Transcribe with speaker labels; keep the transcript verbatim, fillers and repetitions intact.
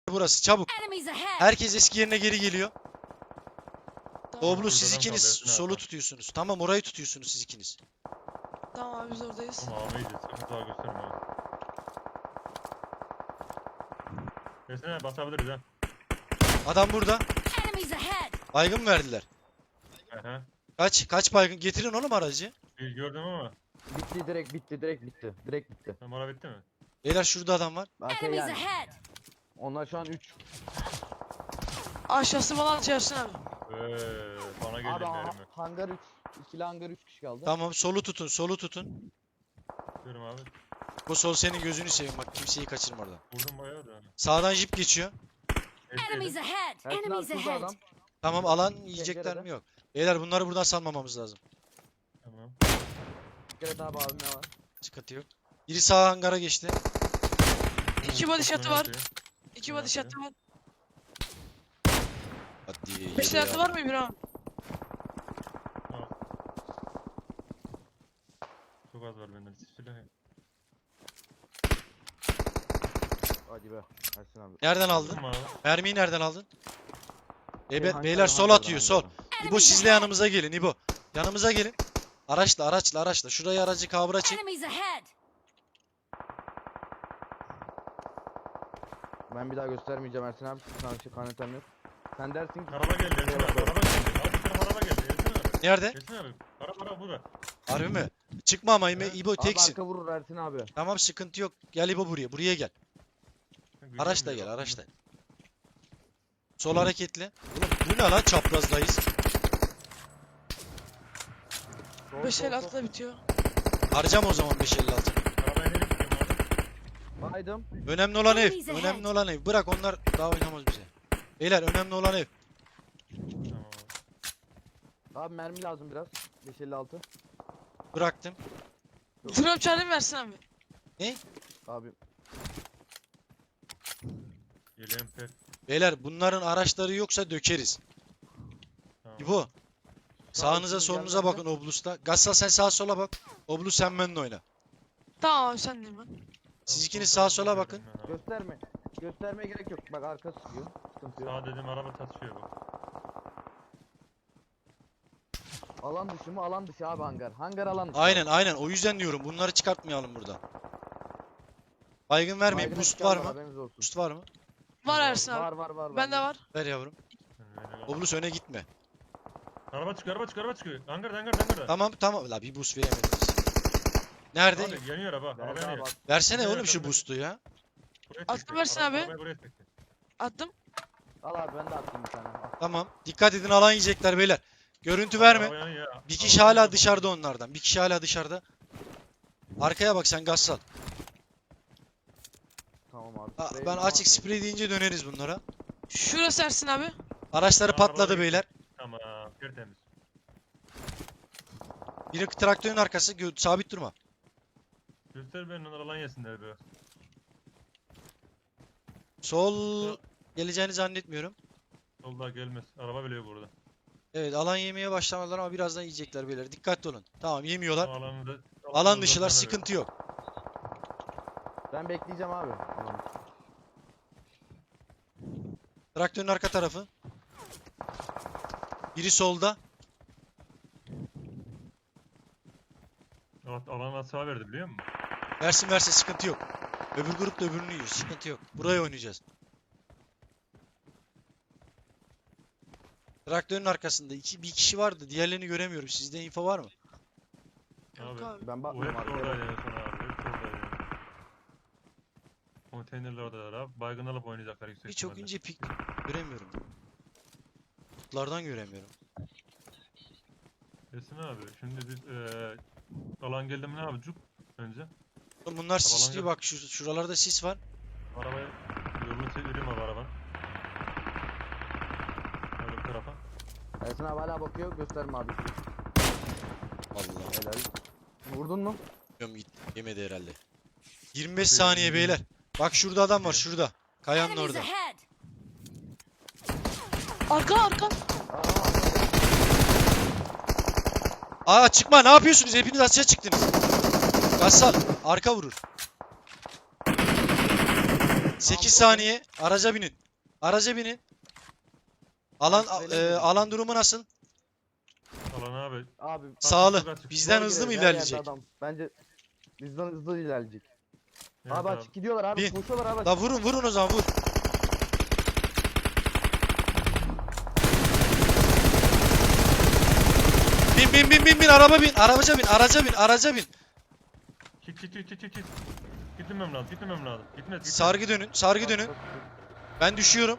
Speaker 1: burası çabuk.
Speaker 2: Enemies ahead.
Speaker 1: Herkes eski yerine geri geliyor.
Speaker 3: Tamam,
Speaker 1: Oblu siz
Speaker 4: Buradan
Speaker 1: ikiniz
Speaker 4: kalıyorsun
Speaker 1: solu
Speaker 4: abi.
Speaker 1: tutuyorsunuz. Tamam orayı tutuyorsunuz siz ikiniz.
Speaker 3: tamam abi biz oradayız.
Speaker 4: Tamam abi iyice sıkıntı daha gösterme abi. Desene basabiliriz ha.
Speaker 1: Adam burada.
Speaker 2: Enemies ahead.
Speaker 1: Baygın mı verdiler?
Speaker 4: Aha.
Speaker 1: Kaç kaç baygın? Getirin oğlum aracı.
Speaker 4: Bir gördüm ama.
Speaker 5: Bitti direkt bitti direkt bitti. Direkt bitti.
Speaker 4: Tamam ara bitti mi?
Speaker 1: Beyler şurada adam var.
Speaker 5: Ben şey
Speaker 2: Enemies
Speaker 5: yani.
Speaker 2: ahead.
Speaker 5: Onlar şu an üç.
Speaker 3: Aşağısı falan çağırsın abi.
Speaker 4: Eee bana
Speaker 5: Abi
Speaker 4: geldi
Speaker 5: ha-
Speaker 4: mermi.
Speaker 5: hangar üç. İkili hangar üç kişi kaldı.
Speaker 1: Tamam solu tutun solu tutun.
Speaker 4: Diyorum abi.
Speaker 1: Bu sol senin gözünü seveyim bak kimseyi kaçırma oradan.
Speaker 4: Vurdum bayağı da.
Speaker 1: Sağdan jip geçiyor.
Speaker 2: Enemies
Speaker 4: Eskiydi.
Speaker 2: ahead.
Speaker 5: Ersin abi
Speaker 2: Enemies
Speaker 5: şurada
Speaker 2: ahead.
Speaker 5: adam.
Speaker 1: Tamam alan yiyecekler
Speaker 5: Pencerede.
Speaker 1: mi yok. Beyler bunları buradan salmamamız lazım.
Speaker 4: Tamam.
Speaker 5: Dikkat et abi abim ne var?
Speaker 1: Sıkıntı yok. Biri sağ hangara geçti.
Speaker 3: İki body shot'ı var.
Speaker 4: Atıyor.
Speaker 3: İki
Speaker 4: Ne
Speaker 3: body shot'ı var.
Speaker 1: Hadi
Speaker 3: Beş
Speaker 1: yedi
Speaker 3: shot'ı
Speaker 1: ya.
Speaker 3: var mı İbrahim?
Speaker 4: Tamam. Çok az var benden. Silah.
Speaker 5: Hadi be. Ersin abi.
Speaker 1: Nereden aldın?
Speaker 4: Vurdum abi.
Speaker 1: Mermiyi nereden aldın? Bebe-
Speaker 5: Hangar-
Speaker 1: beyler sol
Speaker 5: hangardan,
Speaker 1: atıyor sol.
Speaker 5: hangardan.
Speaker 1: İbo
Speaker 2: Enemies
Speaker 1: sizle
Speaker 2: ahead.
Speaker 1: yanımıza gelin İbo. Yanımıza gelin. Araçla araçla araçla. Şurayı aracı kavra çek.
Speaker 2: Enemies ahead.
Speaker 5: Ben bir daha göstermeyeceğim Ersin abi. Sana şey kanetem yok. Sen dersin ki
Speaker 4: Araba geldi. Ersin abi. Araba geldi. Abi bir araba geldi. Ersin abi.
Speaker 1: Nerede?
Speaker 4: Ersin abi. Araba araba burada.
Speaker 1: Harbi mi? Çıkma ama İbo, İbo
Speaker 5: abi
Speaker 1: teksin.
Speaker 5: arka vurur Ersin abi.
Speaker 1: Tamam sıkıntı yok. Gel İbo buraya. Buraya gel. Araçla gel
Speaker 4: Göremiyorum.
Speaker 1: araçla. Sol hareketli. Oğlum bu ne lan çaprazdayız.
Speaker 5: Sol,
Speaker 3: Beş
Speaker 5: sol,
Speaker 3: el
Speaker 5: sol.
Speaker 3: atla bitiyor.
Speaker 1: Harcam o zaman beş elli altı.
Speaker 4: Arabaya nereye gidiyorum abi?
Speaker 5: Baydım.
Speaker 1: Önemli olan ev.
Speaker 2: Enemies ahead.
Speaker 1: Önemli olan ev. Bırak onlar daha oynamaz bize. Beyler önemli olan ev.
Speaker 4: Tamam abi.
Speaker 5: Abi mermi lazım biraz. beş elli altı.
Speaker 1: Bıraktım.
Speaker 3: Drop charlie versin abi.
Speaker 5: Abi
Speaker 4: Yeleğim pek.
Speaker 1: Beyler bunların araçları yoksa dökeriz.
Speaker 4: Tamam.
Speaker 1: İbo. Sağınıza
Speaker 5: üstünüz
Speaker 1: solunuza
Speaker 5: gelmezse.
Speaker 1: bakın Oblus'ta. Gassal sen sağa sola bak. Oblus sen benimle oyna.
Speaker 3: Tamam abi sen de ben.
Speaker 1: Siz
Speaker 4: Tamam,
Speaker 1: ikiniz
Speaker 4: sol
Speaker 1: sağa
Speaker 4: tarafa
Speaker 1: sola
Speaker 4: bakıyorum
Speaker 1: bakın.
Speaker 4: ben abi.
Speaker 5: gösterme. Göstermeye gerek yok. Bak arka sıkıyor. Sıkıntı yok.
Speaker 4: Sağ dedim araba çatışıyor bak.
Speaker 5: Alan dışı mı? Alan dışı abi hangar. Hangar alan dışı.
Speaker 1: Aynen aynen o yüzden diyorum bunları çıkartmayalım buradan. Baygın vermeyin.
Speaker 5: Baygına
Speaker 1: Boost
Speaker 5: çıkarma,
Speaker 1: var mı?
Speaker 5: haberiniz olsun.
Speaker 1: Boost var mı?
Speaker 3: Var Ersin
Speaker 5: Var
Speaker 3: abi.
Speaker 5: var var.
Speaker 3: Bende var.
Speaker 1: Ver yavrum.
Speaker 4: Yani öyle kaldı.
Speaker 1: Oblus öne gitme.
Speaker 4: Araba çıkıyor araba çıkıyor araba çıkıyor. Hangarda hangarda hangarda.
Speaker 1: Tamam tamam. La bir boost veremediniz. Nerede?
Speaker 4: Abi yanıyor araba. Araba
Speaker 5: Nerede abi?
Speaker 4: yanıyor.
Speaker 1: Versene
Speaker 4: Nerede,
Speaker 1: oğlum şu
Speaker 4: nerede?
Speaker 1: boost'u ya.
Speaker 4: Buraya
Speaker 3: Attım
Speaker 4: çekti.
Speaker 3: versin
Speaker 4: Araba-
Speaker 3: abi.
Speaker 4: Arabayı buraya çekti.
Speaker 3: Attım.
Speaker 5: Al abi ben de attım bir tane. Al.
Speaker 1: Tamam. Dikkat edin alan yiyecekler beyler. Görüntü
Speaker 4: Araba
Speaker 1: verme.
Speaker 4: yanıyor.
Speaker 1: Bir kişi
Speaker 4: Araba
Speaker 1: hala
Speaker 4: yanıyor.
Speaker 1: dışarıda onlardan. Bir kişi hala dışarıda. Arkaya bak sen Gassal.
Speaker 5: Tamam abi.
Speaker 1: Aa,
Speaker 5: Sprey
Speaker 1: Ben
Speaker 5: ama-
Speaker 1: açık sprey deyince döneriz bunlara.
Speaker 3: Şurası Ersin abi.
Speaker 1: Araçları
Speaker 4: Araba
Speaker 1: patladı
Speaker 4: geçti.
Speaker 1: beyler.
Speaker 4: Tamam tertemiz.
Speaker 1: Biri traktörün arkası. Gö- Sabit durma.
Speaker 4: Göster ben onlar alan yesinler be.
Speaker 1: Sol geleceğini zannetmiyorum.
Speaker 4: Solda gelmez. Araba bile yok burada.
Speaker 1: Evet alan yemeye başlamadılar ama birazdan yiyecekler beyler. Dikkatli olun. Tamam yemiyorlar.
Speaker 4: Alanı da,
Speaker 1: Alan dışılar sıkıntı yok.
Speaker 5: Ben bekleyeceğim abi. Alan dışı.
Speaker 1: Traktörün arka tarafı. Biri solda.
Speaker 4: Evet, alan asla verdi biliyor musun?
Speaker 1: Versin versin sıkıntı yok. Öbür grup da öbürünü yiyor. Sıkıntı yok. Buraya oynayacağız. Traktörün arkasında iki, bir kişi vardı. Diğerlerini göremiyorum. Sizde info var mı?
Speaker 3: Yok
Speaker 4: Abi.
Speaker 3: abi.
Speaker 5: Ben
Speaker 4: O
Speaker 5: bakmıyorum
Speaker 4: hep
Speaker 5: abi.
Speaker 4: oradaydı en son abi. Hep oradaydı. Konteynerler oradalar abi. Baygın alıp oynayacaklar yüksek
Speaker 1: Bir çok
Speaker 4: ihtimalle.
Speaker 1: ince pik göremiyorum. Kutlardan göremiyorum.
Speaker 4: Esin abi şimdi biz eee alan geldi mi ne yapacak önce?
Speaker 1: Oğlum bunlar sisli
Speaker 4: gel.
Speaker 1: bak şu, şuralarda sis var.
Speaker 4: Arabaya yolunu çevireyim abi arabanın. Öyle bu tarafa.
Speaker 5: Ersin abi hala bakıyor. Gösterme abi.
Speaker 1: Allah.
Speaker 5: Helal. Vurdun mu?
Speaker 1: Yem gitti. Yemedi herhalde. yirmi beş saniye beyler. Bak şurada adam var şurada. Kayanın
Speaker 2: Enemies
Speaker 1: orada.
Speaker 2: ahead.
Speaker 3: Arka arka.
Speaker 1: Aa çıkma ne yapıyorsunuz? Hepiniz açığa çıktınız. Gassal arka vurur. sekiz
Speaker 5: Tamam,
Speaker 1: saniye. Araca binin. Araca binin. Alan
Speaker 5: Tamam,
Speaker 1: e,
Speaker 5: öyle mi?
Speaker 1: alan durumu nasıl?
Speaker 4: Alan abi.
Speaker 5: Abi.
Speaker 1: Sağlı.
Speaker 4: çok açık.
Speaker 1: Bizden
Speaker 5: sola
Speaker 1: hızlı mı
Speaker 5: girelim, her yerde
Speaker 1: ilerleyecek?
Speaker 5: adam. Bence bizden hızlı ilerleyecek.
Speaker 4: Evet
Speaker 5: abi
Speaker 4: abi.
Speaker 5: açık gidiyorlar abi.
Speaker 1: Bin.
Speaker 5: Koşuyorlar abi.
Speaker 1: La vurun vurun o zaman vur. Bin bin bin bin bin araba bin. Arabaca bin. Araca bin. Araca bin.
Speaker 4: Git git git git git. git. Gitmem lazım. Gitmem lazım. Gitmez. gitmez.
Speaker 1: Sargı dönün. Sargı dönün. Ben düşüyorum.